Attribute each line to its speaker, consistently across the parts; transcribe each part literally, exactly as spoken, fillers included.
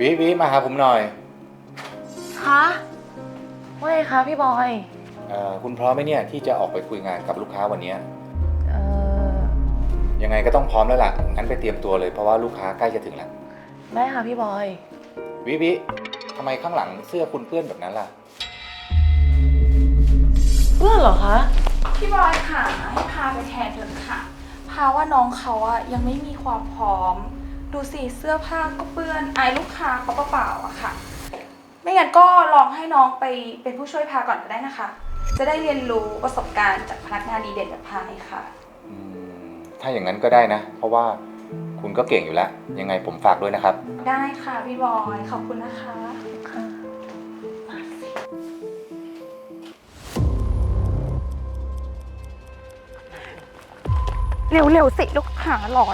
Speaker 1: วิวิมาหาผมหน่อย
Speaker 2: คะว่าไงคะพี่บอย
Speaker 1: เอ่อคุณพร้อมไหมเนี่ยที่จะออกไปคุยงานกับลูกค้าวันนี้
Speaker 2: เอ่อ
Speaker 1: ยังไงก็ต้องพร้อมแล้วล่ะงั้นไปเตรียมตัวเลยเพราะว่าลูกค้าใกล้จะถึงแล้ว
Speaker 2: ได้ค่ะพี่บอย
Speaker 1: วิวิทำไมข้างหลังเสื้อคุณเปื้อนแบบนั้นล่ะ
Speaker 2: เพื่อนเหรอคะ
Speaker 3: พี่บอยค่ะให้พาไปแทนเถอะค่ะพาว่าน้องเขาอะยังไม่มีความพร้อมดูสิเสื้อผ้าก็เปื้อนอายลูกค้าเขาเปล่าๆอะค่ะไม่งั้นก็ลองให้น้องไปเป็นผู้ช่วยพาก่อนก็ได้นะคะจะได้เรียนรู้ประสบการณ์จากพนักงานดีเด่นแบบพาเลยค่ะ
Speaker 1: อืมถ้าอย่างนั้นก็ได้นะเพราะว่าคุณก็เก่งอยู่แล้วยังไงผมฝากด้วยนะครับ
Speaker 3: ได้ค่ะพี่บอยขอบคุณนะคะ
Speaker 2: ค่ะ
Speaker 3: เร็วๆสิลูกค้ารอย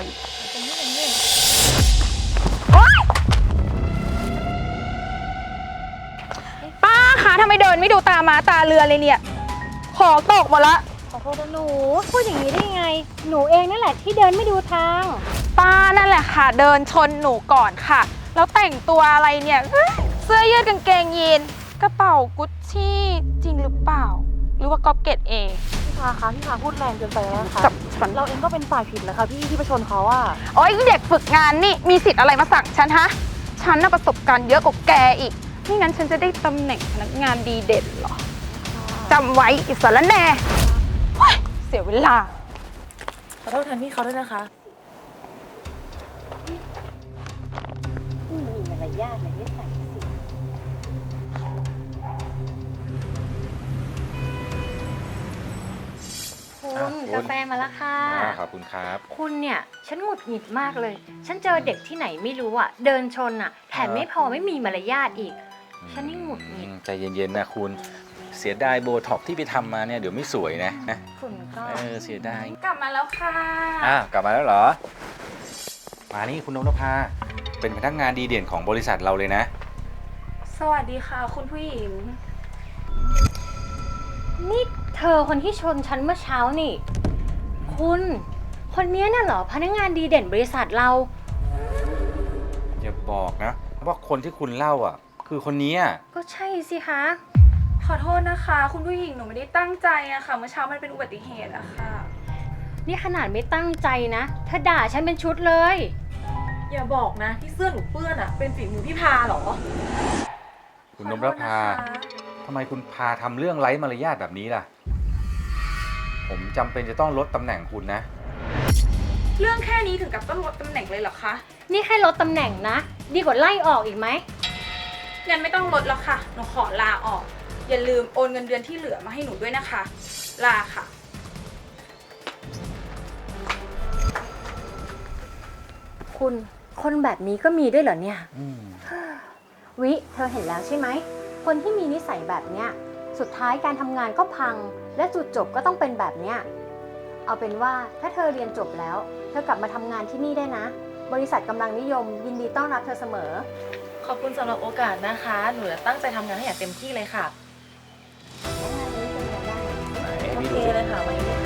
Speaker 3: ป้าคะทำไมเดินไม่ดูตามาตาเรือเลยเนี่ยของตกหมดละ
Speaker 4: ขอโทษนะหนูพูดอย่างนี้ได้ยังไงหนูเองนั่นแหละที่เดินไม่ดูทาง
Speaker 3: ป้านั่นแหละค่ะเดินชนหนูก่อนค่ะแล้วแต่งตัวอะไรเนี่ยเสื้อยืดกางเกงยีนกระเป๋ากุชชี่จริงหรือเปล่าหรือว่าก๊อปเกตเอง
Speaker 2: พี่พาคะพี่พาพูดแรงเกินไปแล้วนะคะ
Speaker 3: กับฉัน
Speaker 2: เราเองก็เป็นฝ่ายผิดนะคะพี่ที่ไปชนเขาอะ
Speaker 3: โอ๊ยเด็กฝึกงานนี่มีสิทธิ์อะไรมาสั่งฉันฮะฉันน่ะประสบการณ์เยอะกว่าแกอีกไม่งั้นฉันจะได้ตำแหน่งพนักงานดีเด่นเหรอจำไว้อิสระแน่เสียเวลา
Speaker 2: ขอโทษแทนพี่เขาด้วยนะคะ
Speaker 4: มีมารยาทเลยที่ใส่สิคุณกาแฟมาแล้วค่ะ
Speaker 1: ขอบคุณครับ
Speaker 4: คุณเนี่ยฉันหงุดหงิดมากเลยฉันเจอเด็กที่ไหนไม่รู้อ่ะเดินชนอ่ะแถมไม่พอไม่มีมารยาทอีกฉันนี่หงุดหงิด
Speaker 1: ใจเย็นๆนะคุณเสียดายโบท็อกที่ไปทำมาเนี่ยเดี๋ยวไม่สวยนะนะ
Speaker 4: คุณก็
Speaker 1: เออเสียดาย
Speaker 3: กลับมาแล้วค่ะ
Speaker 1: อ้าวกลับมาแล้วเหรอมานี่คุณนพภาเป็นพนักงานดีเด่นของบริษัทเราเลยนะ
Speaker 3: สวัสดีค่ะคุณผู้หญิง
Speaker 4: นี่เธอคนที่ชนฉันเมื่อเช้านี่คุณคนนี้น่ะเหรอพนักงานดีเด่นบริษัทเรา
Speaker 1: อย่าบอกนะว่าคนที่คุณเล่าอ่ะคือคนนี้
Speaker 4: ก็ใช่สิคะ
Speaker 3: ขอโทษนะคะคุณผู้หญิงหนูไม่ได้ตั้งใจอะค่ะเมื่อเช้ามันเป็นอุบัติเหตุอะค่ะ
Speaker 4: นี่ขนาดไม่ตั้งใจนะถ้าด่าฉันเป็นชุดเลย
Speaker 2: อย่าบอกนะที่เสื้อหนูเปื้อนอะเป็นฝีมือพี่พาเหรอ
Speaker 1: คุณนพภาทำไมคุณพาทำเรื่องไร้มารยาทแบบนี้ล่ะผมจำเป็นจะต้องลดตำแหน่งคุณนะ
Speaker 3: เรื่องแค่นี้ถึงกับต้องลดตำแหน่งเลยเหรอคะ
Speaker 4: นี่แค่ลดตำแหน่งนะดีกว่าไล่ออกอีกไหม
Speaker 3: งั้นไม่ต้องลดแล้วค่ะหนูขอลาออกอย่าลืมโอนเงินเดือนที่เหลือมาให้หนูด้วยนะคะลาค่ะ
Speaker 4: คุณคนแบบนี้ก็มีด้วยเหรอเนี่ยวิเธอเห็นแล้วใช่ไหมคนที่มีนิสัยแบบเนี้ยสุดท้ายการทำงานก็พังและจุดจบก็ต้องเป็นแบบเนี้ยเอาเป็นว่าถ้าเธอเรียนจบแล้วเธอกลับมาทำงานที่นี่ได้นะบริษัทกำลังนิยมยินดีต้อนรับเธอเสมอ
Speaker 2: ขอบคุณสำหรับโอกาสนะคะหนูจะตั้งใจทำงานให้อย่างเต็มที่เลยค่ะโอเคเลยค่ะวันนี้